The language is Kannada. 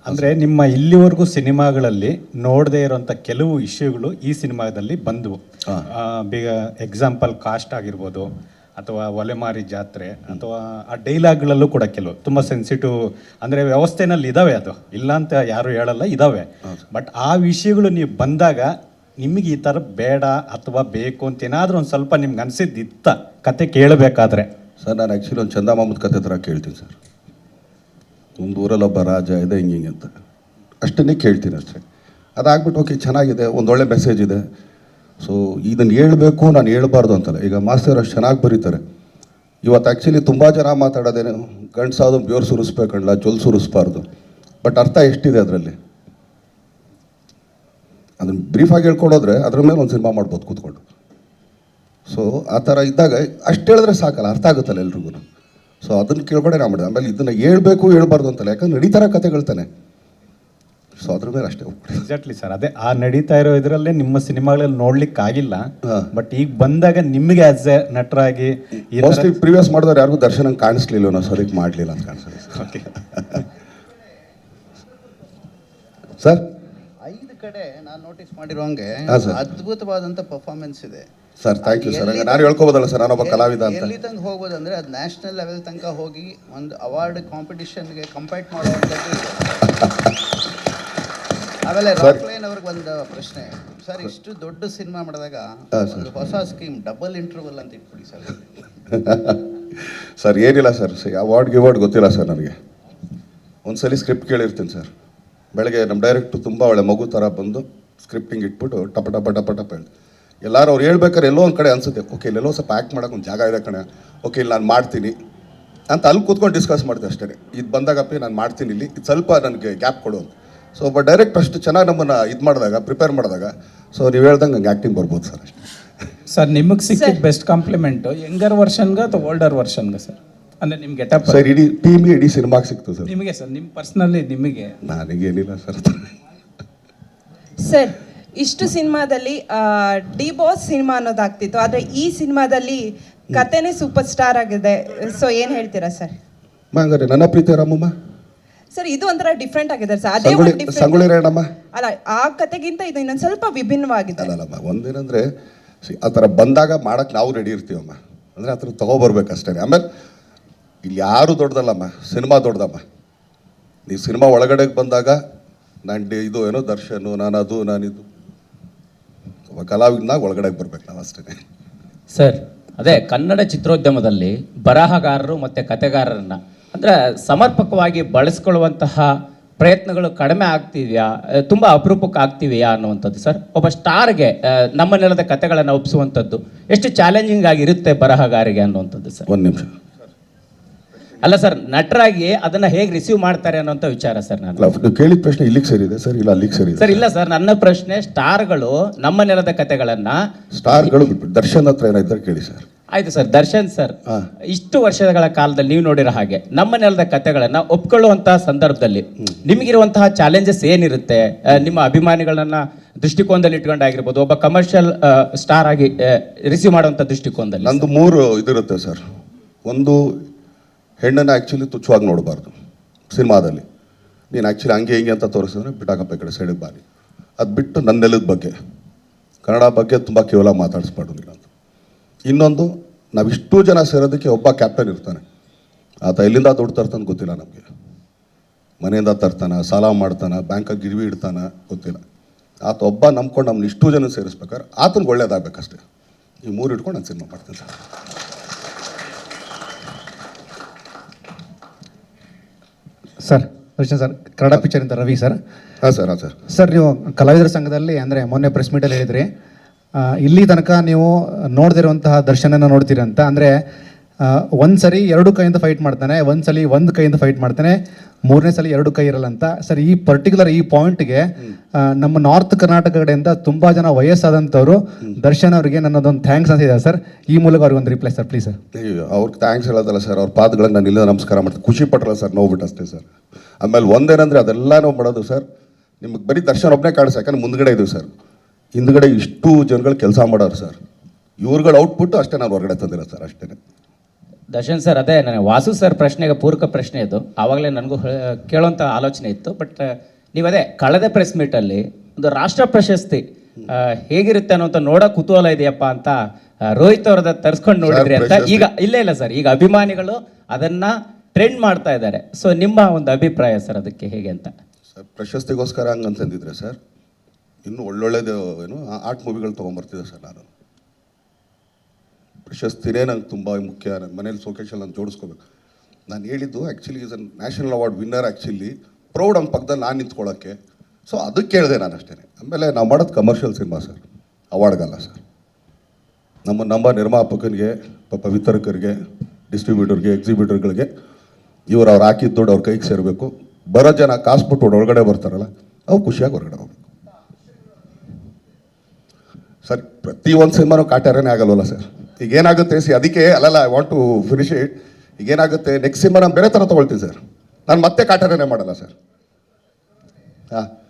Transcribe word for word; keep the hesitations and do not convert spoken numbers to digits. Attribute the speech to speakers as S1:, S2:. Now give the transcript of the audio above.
S1: ಅಂದರೆ ನಿಮ್ಮ ಇಲ್ಲಿವರೆಗೂ ಸಿನಿಮಾಗಳಲ್ಲಿ ನೋಡದೇ ಇರೋಂಥ ಕೆಲವು ಇಶ್ಯೂಗಳು ಈ ಸಿನಿಮಾದಲ್ಲಿ ಬಂದವು. ಬೇಗ ಎಕ್ಸಾಂಪಲ್ ಕಾಸ್ಟ್ ಆಗಿರ್ಬೋದು, ಅಥವಾ ಒಲೆಮಾರಿ ಜಾತ್ರೆ, ಅಥವಾ ಆ ಡೈಲಾಗ್ಗಳಲ್ಲೂ ಕೂಡ ಕೆಲವು ತುಂಬ ಸೆನ್ಸಿಟಿವ್, ಅಂದರೆ ವ್ಯವಸ್ಥೆನಲ್ಲಿ ಇದ್ದಾವೆ, ಅದು ಇಲ್ಲ ಅಂತ ಯಾರು ಹೇಳಲ್ಲ, ಇದ್ದಾವೆ. ಬಟ್ ಆ ವಿಷಯಗಳು ನೀವು ಬಂದಾಗ ನಿಮಗೆ ಈ ಥರ ಬೇಡ ಅಥವಾ ಬೇಕು ಅಂತ ಏನಾದರೂ ಒಂದು ಸ್ವಲ್ಪ ನಿಮ್ಗೆ ಅನಿಸಿದ್ದಿತ್ತ ಕತೆ ಕೇಳಬೇಕಾದ್ರೆ?
S2: ಸರ್, ನಾನು ಆ್ಯಕ್ಚುಲಿ ಒಂದು ಚಂದಮಾಮದ ಕತೆ ಥರ ಕೇಳ್ತೀನಿ ಸರ್. ಒಂದು ಊರಲ್ಲೊಬ್ಬ ರಾಜ ಇದೆ ಹಿಂಗೆ ಹಿಂಗೆ ಅಂತ ಅಷ್ಟನ್ನೇ ಕೇಳ್ತೀನಿ ಅಷ್ಟೇ. ಅದಾಗ್ಬಿಟ್ಟು ಓಕೆ ಚೆನ್ನಾಗಿದೆ, ಒಂದೊಳ್ಳೆ ಮೆಸೇಜ್ ಇದೆ, ಸೊ ಇದನ್ನು ಹೇಳ್ಬೇಕು, ನಾನು ಹೇಳ್ಬಾರ್ದು ಅಂತಲ್ಲ. ಈಗ ಮಾಸ್ತರ್ ಅಷ್ಟು ಚೆನ್ನಾಗಿ ಬರೀತಾರೆ. ಇವತ್ತು ಆ್ಯಕ್ಚುಲಿ ತುಂಬ ಜನ ಮಾತಾಡೋದೇನು, ಗಂಡ್ಸಾದ್ರು ಬ್ಯೂರ್ ಸುರಿಸ್ಬೇಕಲ್ಲ, ಜೊಲ್ ಸುರಿಸ್ಬಾರ್ದು. ಬಟ್ ಅರ್ಥ ಎಷ್ಟಿದೆ ಅದರಲ್ಲಿ? ಅದನ್ನು ಬ್ರೀಫಾಗಿ ಹೇಳ್ಕೊಡೋದ್ರೆ ಅದ್ರ ಮೇಲೆ ಒಂದು ಸಿನಿಮಾ ಮಾಡ್ಬೋದು ಕೂತ್ಕೊಂಡು. ಸೊ ಆ ಥರ ಇದ್ದಾಗ ಅಷ್ಟು ಹೇಳಿದ್ರೆ ಸಾಕಲ್ಲ, ಅರ್ಥ ಆಗುತ್ತಲ್ಲ ಎಲ್ರಿಗೂ. ಸೊ ಅದನ್ನು ಕೇಳ್ಕೊಂಡೆ ನಾ ಮಾಡಿದೆ. ಆಮೇಲೆ ಇದನ್ನು ಹೇಳ್ಬೇಕು ಹೇಳ್ಬಾರ್ದು ಅಂತಲ್ಲ, ಯಾಕಂದ್ರೆ ನಡೀತಾರ ಕತೆಗಳ್ತಾನೆ. ಸೊ ಅದ್ರ ಮೇಲೆ ಅಷ್ಟೇ ಹೋಗ್ಬಿಡಿ.
S1: ಎಕ್ಸಾಕ್ಟ್ಲಿ ಸರ್, ಅದೇ ಆ ನಡೀತಾ ಇರೋ ಇದರಲ್ಲೇ ನಿಮ್ಮ ಸಿನಿಮಾಗಳಲ್ಲಿ ನೋಡ್ಲಿಕ್ಕೆ ಆಗಿಲ್ಲ. ಬಟ್ ಈಗ ಬಂದಾಗ ನಿಮಗೆ ಆಸ್ ಎ ನಟರಾಗಿ
S2: ಮೋಸ್ಟ್ಲಿ ಪ್ರಿವಿಯಸ್ ಮಾಡಿದವ್ರು ಯಾರಿಗೂ ದರ್ಶನ ಕಾಣಿಸ್ಲಿಲ್ಲ, ನಾವು ಸರಿಗ್ ಮಾಡಲಿಲ್ಲ ಅಂತ ಕಾಣಿಸ್ತದೆ.
S1: ಓಕೆ
S2: ಸರ್,
S3: ಐದು ಕಡೆ ನಾನು ನೋಟಿಸ್ ಮಾಡಿರೋಂಗೆ
S2: ಹಾಂ ಸರ್,
S3: ಅದ್ಭುತವಾದಂಥ ಪರ್ಫಾರ್ಮೆನ್ಸ್ ಇದೆ
S2: ಸರ್. Thank you sir. ನಾನು ಹೇಳ್ಕೋಬೋದಲ್ಲ ಸರ್, ನಾನೊಬ್ಬ ಕಲಾವಿದ ಅಂತ.
S3: ಎಲ್ಲಿ ತನಕ ಹೋಗ್ಬೋದು ಅಂದರೆ ಅದು ನ್ಯಾಷನಲ್ ಲೆವೆಲ್ ತನಕ ಹೋಗಿ ಒಂದು ಅವಾರ್ಡ್ ಕಾಂಪಿಟಿಷನ್ಗೆ ಕಂಪೈಟ್ ಮಾಡುವಂಥದ್ದು ಇದೆ. ಆಮೇಲೆ ರಾಕ್ಲೈನ್ ಅವ್ರಿಗೆ ಒಂದು ಪ್ರಶ್ನೆ ಸರ್, ಇಷ್ಟು ದೊಡ್ಡ ಸಿನಿಮಾ ಮಾಡಿದಾಗ ಒಂದು ಹೊಸ ಸ್ಕೀಮ್ ಡಬಲ್ ಇಂಟರ್ವಲ್ ಅಂತ ಇಟ್ಬಿಡಿ ಸರ್.
S2: ಸರ್ ಏನಿಲ್ಲ ಸರ್, ಅವಾರ್ಡ್ ಗಿವಾರ್ಡ್ ಗೊತ್ತಿಲ್ಲ ಸರ್ ನನಗೆ. ಒಂದ್ಸಲಿ ಸ್ಕ್ರಿಪ್ಟ್ ಕೇಳಿರ್ತೀನಿ ಸರ್. ಬೆಳಗ್ಗೆ ನಮ್ಮ ಡೈರೆಕ್ಟ್ರು ತುಂಬ ಒಳ್ಳೆ ಮಗು ಥರ ಬಂದು ಸ್ಕ್ರಿಪ್ಟಿಂಗ್ ಇಟ್ಬಿಟ್ಟು ಟಪ ಟಪ ಟಪ ಟಪ ಹೇಳಿ ಎಲ್ಲರೂ ಅವ್ರು ಹೇಳ್ಬೇಕಾದ್ರೆ ಎಲ್ಲೋ ಒಂದು ಕಡೆ ಅನ್ಸುತ್ತೆ, ಓಕೆ ಇಲ್ಲೆಲ್ಲೋ ಸ್ವಲ್ಪ ಆ್ಯಕ್ಟ್ ಮಾಡೋಕೆ ಒಂದು ಜಾಗ ಇದೆ ಕಣೆ, ಓಕೆ ಇಲ್ಲಿ ನಾನು ಮಾಡ್ತೀನಿ ಅಂತ ಅಲ್ಲಿ ಕೂತ್ಕೊಂಡು ಡಿಸ್ಕಸ್ ಮಾಡ್ತೀವಿ ಅಷ್ಟೇ. ಇದು ಬಂದಾಗಪ್ಪಿ ನಾನು ಮಾಡ್ತೀನಿ, ಇಲ್ಲಿ ಇದು ಸ್ವಲ್ಪ ನನಗೆ ಗ್ಯಾಪ್ ಕೊಡು ಅಂತ. ಸೊ ಒಬ್ಬ ಡೈರೆಕ್ಟ್ ಅಷ್ಟು ಚೆನ್ನಾಗಿ ನಮ್ಮನ್ನು ಇದು ಮಾಡಿದಾಗ, ಪ್ರಿಪೇರ್ ಮಾಡಿದಾಗ, ಸೊ ನೀವು ಹೇಳ್ದಂಗೆ ಹಂಗೆ ಆ್ಯಕ್ಟಿಂಗ್ ಬರ್ಬೋದು ಸರ್ ಅಷ್ಟೇ.
S4: ಸರ್, ನಿಮಗೆ ಸಿಕ್ಕಿದ ಬೆಸ್ಟ್ ಕಾಂಪ್ಲಿಮೆಂಟು ಯಂಗರ್ ವರ್ಷನ್ಗೆ ಅಥವಾ ಓಲ್ಡರ್ ವರ್ಷನ್ಗೆ ಸರ್? ಅಂದರೆ ನಿಮ್ಗೆ ಗೆಟಪ್
S2: ಸರ್ ಇಡೀ ಟೀಮ್ಗೆ ಇಡೀ ಸಿನಿಮಾಗೆ ಸಿಕ್ತು ಸರ್.
S4: ನಿಮಗೆ ಸರ್, ನಿಮ್ಮ ಪರ್ಸ್ನಲಿ ನಿಮಗೆ?
S2: ನನಗೇನಿಲ್ಲ ಸರ್.
S5: ಸರ್, ಇಷ್ಟು ಸಿನಿಮಾದಲ್ಲಿ ಡಿ ಬಾಸ್ ಸಿನಿಮಾ ಅನ್ನೋದಾಗ್ತಿತ್ತು, ಆದರೆ ಈ ಸಿನಿಮಾದಲ್ಲಿ ಕತೆನೇ ಸೂಪರ್ ಸ್ಟಾರ್ ಆಗಿದೆ. ಸೊ ಏನು ಹೇಳ್ತೀರಾ ಸರ್?
S2: ಹಂಗಾರೆ ನನ್ನ ಪ್ರೀತಿ ರಾಮಮ್ಮ
S5: ಸರ್, ಇದು ಒಂಥರ ಡಿಫ್ರೆಂಟ್ ಆಗಿದೆ ಸರ್. ಅದೇ
S2: ಸಂಗೊಳ್ಳಿ
S5: ಒಂದು different-
S2: ಸಂಗೊಳ್ಳಿ ರಾಯಣ್ಣಮ್ಮ
S5: ಅಲ್ಲ, ಆ ಕತೆಗಿಂತ ಇದು ಇನ್ನೊಂದು ಸ್ವಲ್ಪ ವಿಭಿನ್ನವಾಗಿದೆ.
S2: ಅಲ್ಲಲ್ಲಮ್ಮ, ಒಂದೇನಂದರೆ ಆ ಥರ ಬಂದಾಗ ಮಾಡೋಕ್ಕೆ ನಾವು ರೆಡಿ ಇರ್ತೀವಮ್ಮ. ಅಂದರೆ ಆ ಥರ ತೊಗೊಬರ್ಬೇಕಷ್ಟೇ. ಆಮೇಲೆ ಇಲ್ಲಿ ಯಾರು ದೊಡ್ಡದಲ್ಲಮ್ಮ, ಸಿನಿಮಾ ದೊಡ್ಡದಮ್ಮ. ನೀವು ಸಿನಿಮಾ ಒಳಗಡೆಗೆ ಬಂದಾಗ ನಾನು ಡಿ ಇದು ಏನೋ ದರ್ಶನು, ನಾನು ಅದು ನಾನಿದು ಒಬ್ಬ ಕಲಾವಿದನಾಗ ಒಳಗಡೆಗೆ ಬರ್ಬೇಕು ನಾವು ಅಷ್ಟೇ.
S6: ಸರ್, ಅದೇ ಕನ್ನಡ ಚಿತ್ರೋದ್ಯಮದಲ್ಲಿ ಬರಹಗಾರರು ಮತ್ತು ಕತೆಗಾರರನ್ನು ಅಂದರೆ ಸಮರ್ಪಕವಾಗಿ ಬಳಸ್ಕೊಳ್ಳುವಂತಹ ಪ್ರಯತ್ನಗಳು ಕಡಿಮೆ ಆಗ್ತಿದೆಯಾ, ತುಂಬ ಅಪರೂಪಕ್ಕೆ ಆಗ್ತಿವೆಯಾ ಅನ್ನುವಂಥದ್ದು ಸರ್. ಒಬ್ಬ ಸ್ಟಾರ್ಗೆ ನಮ್ಮ ನೆಲದ ಕತೆಗಳನ್ನು ಒಪ್ಪಿಸುವಂಥದ್ದು ಎಷ್ಟು ಚಾಲೆಂಜಿಂಗ್ ಆಗಿರುತ್ತೆ ಬರಹಗಾರಿಗೆ ಅನ್ನುವಂಥದ್ದು ಸರ್.
S2: ಒಂದು ನಿಮಿಷ.
S6: ಅಲ್ಲ ಸರ್, ನಟರಾಗಿ ಅದನ್ನು ಹೇಗೆ ರಿಸೀವ್ ಮಾಡ್ತಾರೆ ಅನ್ನೋಂಥ ವಿಚಾರ ಸರ್. ನಾನು
S2: ನೀವು ಕೇಳಿದ ಪ್ರಶ್ನೆ ಇಲ್ಲಿಗೆ ಸರಿದೆ ಸರ್, ಇಲ್ಲ ಅಲ್ಲಿಗೆ ಸರಿ
S6: ಸರ್? ಇಲ್ಲ ಸರ್, ನನ್ನ ಪ್ರಶ್ನೆ ಸ್ಟಾರ್ಗಳು ನಮ್ಮ ನೆಲದ ಕತೆಗಳನ್ನು,
S2: ಸ್ಟಾರ್ಗಳು ದರ್ಶನ್ ಹತ್ರ ಏನಾಯ್ತಾರೆ ಕೇಳಿ ಸರ್.
S6: ಆಯ್ತು ಸರ್. ದರ್ಶನ್ ಸರ್, ಇಷ್ಟು ವರ್ಷಗಳ ಕಾಲದಲ್ಲಿ ನೀವು ನೋಡಿರೋ ಹಾಗೆ ನಮ್ಮ ನೆಲದ ಕತೆಗಳನ್ನು ಒಪ್ಕೊಳ್ಳುವಂತಹ ಸಂದರ್ಭದಲ್ಲಿ ನಿಮಗಿರುವಂತಹ ಚಾಲೆಂಜಸ್ ಏನಿರುತ್ತೆ? ನಿಮ್ಮ ಅಭಿಮಾನಿಗಳನ್ನ ದೃಷ್ಟಿಕೋನದಲ್ಲಿ ಇಟ್ಕೊಂಡಾಗಿರ್ಬೋದು, ಒಬ್ಬ ಕಮರ್ಷಿಯಲ್ ಸ್ಟಾರ್ ಆಗಿ ರಿಸೀವ್ ಮಾಡುವಂಥ ದೃಷ್ಟಿಕೋನದಲ್ಲಿ.
S2: ನಂದು ಮೂರು ಇದಿರುತ್ತೆ ಸರ್. ಒಂದು, ಹೆಣ್ಣನ್ನು ಆ್ಯಕ್ಚುಲಿ ತುಚ್ಛವಾಗಿ ನೋಡಬಾರ್ದು ಸಿನಿಮಾದಲ್ಲಿ. ನೀನು ಆ್ಯಕ್ಚುಲಿ ಹಂಗೆ ಹಿಂಗೆ ಅಂತ ತೋರಿಸಿದ್ರೆ ಬಿಟ್ಟಾಕಪ್ಪ ಈ ಕಡೆ ಸೈಡಿಗೆ ಬಾರಿ. ಅದು ಬಿಟ್ಟು ನನ್ನ ನೆಲದ ಬಗ್ಗೆ, ಕನ್ನಡ ಬಗ್ಗೆ ತುಂಬ ಕೇವಲ ಮಾತಾಡಿಸ್ಬಾರ್ದು ನೀನು ಅಂತ. ಇನ್ನೊಂದು, ನಾವಿಷ್ಟು ಜನ ಸೇರೋದಕ್ಕೆ ಒಬ್ಬ ಕ್ಯಾಪ್ಟನ್ ಇರ್ತಾನೆ. ಆತ ಎಲ್ಲಿಂದ ದುಡ್ಡು ತರ್ತಾನೆ ಗೊತ್ತಿಲ್ಲ ನಮಗೆ. ಮನೆಯಿಂದ ತರ್ತಾನೆ, ಸಾಲ ಮಾಡ್ತಾನೆ, ಬ್ಯಾಂಕಾಗಿ ಗಿರ್ವಿ ಇಡ್ತಾನೆ ಗೊತ್ತಿಲ್ಲ. ಆತ ಒಬ್ಬ ನಂಬ್ಕೊಂಡು ನಮ್ಮನ್ನ ಇಷ್ಟು ಜನ ಸೇರಿಸ್ಬೇಕಾದ್ರೆ ಆತನಿಗೆ ಒಳ್ಳೇದಾಗಬೇಕಷ್ಟೇ. ಈ ಮೂರು ಇಟ್ಕೊಂಡು ನಾನು ಸಿನಿಮಾ ಮಾಡ್ತೀನಿ sir.
S7: Sir, Darshan sir, Kannada ಪಿಕ್ಚರಿಂದ ರವಿ ಸರ್.
S2: ಹಾಂ ಸರ್. ಹಾಂ ಸರ್.
S7: ಸರ್, ನೀವು ಕಲಾವಿದರ ಸಂಘದಲ್ಲಿ ಅಂದರೆ ಮೊನ್ನೆ ಪ್ರೆಸ್ ಮೀಟಲ್ಲಿ ಹೇಳಿದ್ರಿ, ಇಲ್ಲಿ ತನಕ ನೀವು ನೋಡ್ದಿರುವಂತಹ ದರ್ಶನನ ನೋಡ್ತೀರಿ ಅಂತ. ಅಂದರೆ ಒಂದು ಸರಿ ಎರಡು ಕೈಯಿಂದ ಫೈಟ್ ಮಾಡ್ತಾನೆ, ಒಂದು ಸಲ ಒಂದು ಕೈಯಿಂದ ಫೈಟ್ ಮಾಡ್ತಾನೆ, ಮೂರನೇ ಸಲ ಎರಡು ಕೈ ಇರಲ್ಲ ಅಂತ. ಸರ್, ಈ ಪರ್ಟಿಕ್ಯುಲರ್ ಈ ಪಾಯಿಂಟ್ಗೆ ನಮ್ಮ ನಾರ್ತ್ ಕರ್ನಾಟಕ ಕಡೆಯಿಂದ ತುಂಬ ಜನ ವಯಸ್ಸಾದಂಥವ್ರು ದರ್ಶನ್ ಅವರಿಗೆ ನನ್ನದೊಂದು ಥ್ಯಾಂಕ್ಸ್ ಅಂತ ಇದೆ ಸರ್. ಈ ಮೂಲಕ ಅವ್ರಿಗೆ ಒಂದು ರಿಪ್ಲೈ ಸರ್, ಪ್ಲೀಸ್ ಸರ್.
S2: ಅಯ್ಯೋ, ಅವ್ರಿಗೆ ಥ್ಯಾಂಕ್ಸ್ ಹೇಳೋದಲ್ಲ ಸರ್, ಅವ್ರ ಪಾದಗಳಿಗೆ ನಾನು ಇಲ್ಲದ ನಮಸ್ಕಾರ ಮಾಡ್ತೀನಿ. ಖುಷಿ ಪಟ್ಟಲ್ಲ ಸರ್, ನೋಡ್ಬಿಟ್ಟು ಅಷ್ಟೇ ಸರ್. ಆಮೇಲೆ ಒಂದೇನಂದರೆ ಅದೆಲ್ಲ ನಾವು ಮಾಡೋದು ಸರ್, ನಿಮಗೆ ಬರೀ ದರ್ಶನ್ ಒಬ್ಬನೇ ಕಾಣಿಸ್, ಯಾಕಂದ್ರೆ ಮುಂದ್ಗಡೆ ಇದೀವಿ ಸರ್. ಹಿಂದ್ಗಡೆ ಇಷ್ಟು ಜನಗಳು ಕೆಲಸ ಮಾಡೋರು ಸರ್. ಇವ್ರುಗಳು ಔಟ್ಪುಟ್ಟು ಅಷ್ಟೇ, ನಾನು ಹೊರಗಡೆ ತಂದಿಲ್ಲ ಸರ್ ಅಷ್ಟೇ.
S6: ದರ್ಶನ್ ಸರ್, ಅದೇ ನನಗೆ ವಾಸು ಸರ್ ಪ್ರಶ್ನೆಗೆ ಪೂರಕ ಪ್ರಶ್ನೆ ಇದು. ಆವಾಗಲೇ ನನಗೂ ಹೇ- ಕೇಳೋಂಥ ಆಲೋಚನೆ ಇತ್ತು. ಬಟ್ ನೀವು ಅದೇ ಕಳೆದ ಪ್ರೆಸ್ ಮೀಟಲ್ಲಿ ಒಂದು ರಾಷ್ಟ್ರ ಪ್ರಶಸ್ತಿ ಆ, ಹೇಗಿರುತ್ತೆ ಅನ್ನೋಂಥ ನೋಡೋ ಕುತೂಹಲ ಇದೆಯಪ್ಪ ಅಂತ ಆ, ರೋಹಿತ್ ಅವ್ರದ ತರಿಸ್ಕೊಂಡು ನೋಡಿದ್ರಿ ಅಂತ.
S2: ಪ್ರಶಸ್ತಿ-
S6: ಈಗ ಇಲ್ಲ ಇಲ್ಲ ಸರ್, ಈಗ ಅಭಿಮಾನಿಗಳು ಅದನ್ನ ಟ್ರೆಂಡ್ ಮಾಡ್ತಾ ಇದ್ದಾರೆ. ಸೊ ನಿಮ್ಮ ಒಂದು ಅಭಿಪ್ರಾಯ ಸರ್ ಅದಕ್ಕೆ ಹೇಗೆ ಅಂತ?
S2: ಸರ್ ಪ್ರಶಸ್ತಿಗೋಸ್ಕರ ಹಂಗೆ ಅಂತಂದಿದ್ರೆ ಸರ್ ಇನ್ನೂ ಒಳ್ಳೊಳ್ಳೆದು ಏನು ಆರ್ಟ್ ಮೂವಿಗಳು ತೊಗೊಂಬರ್ತಿದ್ದೆ ಸರ್. ನಾನು ಪ್ರಶಸ್ತಿನೇ ನಂಗೆ ತುಂಬ ಮುಖ್ಯ. ನನ್ನ ಮನೇಲಿ ಸೋಕೇಶಲ್ಲಿ ನಾನು ಜೋಡಿಸ್ಕೋಬೇಕು. ನಾನು ಹೇಳಿದ್ದು actually is a national award winner. Actually proud ನಮ್ಮ ಪಕ್ಕದಲ್ಲಿ ನಾನು ನಿಂತ್ಕೊಳ್ಳೋಕ್ಕೆ. ಸೊ ಅದಕ್ಕೆ ಕೇಳಿದೆ ನಾನು ಅಷ್ಟೇ. ಆಮೇಲೆ ನಾವು ಮಾಡೋದು ಕಮರ್ಷಿಯಲ್ ಸಿನಿಮಾ ಸರ್, ಅವಾರ್ಡ್ಗಲ್ಲ ಸರ್. ನಮ್ಮ ನಮ್ಮ ನಿರ್ಮಾಪಕನಿಗೆ, ಪಾಪ ವಿತರಕರಿಗೆ, ಡಿಸ್ಟ್ರಿಬ್ಯೂಟರ್ಗೆ, ಎಕ್ಸಿಬ್ಯೂಟರ್ಗಳಿಗೆ ಇವ್ರು ಅವ್ರು ಹಾಕಿದ ದುಡ್ಡು ಅವ್ರ ಕೈಗೆ ಸೇರಬೇಕು. ಬರೋ ಜನ ಕಾಸು ಬಿಟ್ಟು ಒಳಗಡೆ ಬರ್ತಾರಲ್ಲ, ಅವ್ರು ಖುಷಿಯಾಗಿ ಹೊರಗಡೆ ಹೋಗ್ಬೇಕು ಸರ್. ಪ್ರತಿ ಒಂದು ಸಿನಿಮಾನೂ ಕಾಟಾರನೇ ಆಗಲ್ವಲ್ಲ ಸರ್. ಈಗ ಏನಾಗುತ್ತೆ ಸಿ, ಅದಕ್ಕೆ ಅಲ್ಲಲ್ಲ I want to finish it. ಈಗ ಏನಾಗುತ್ತೆ, ನೆಕ್ಸ್ಟ್ ಸಿನಿಮಾ ನಾನು ಬೇರೆ ಥರ ತೊಗೊಳ್ತೀನಿ ಸರ್. ನಾನು ಮತ್ತೆ ಕಾಟಾರನೇ ಮಾಡಲ್ಲ ಸರ್. ಹಾಂ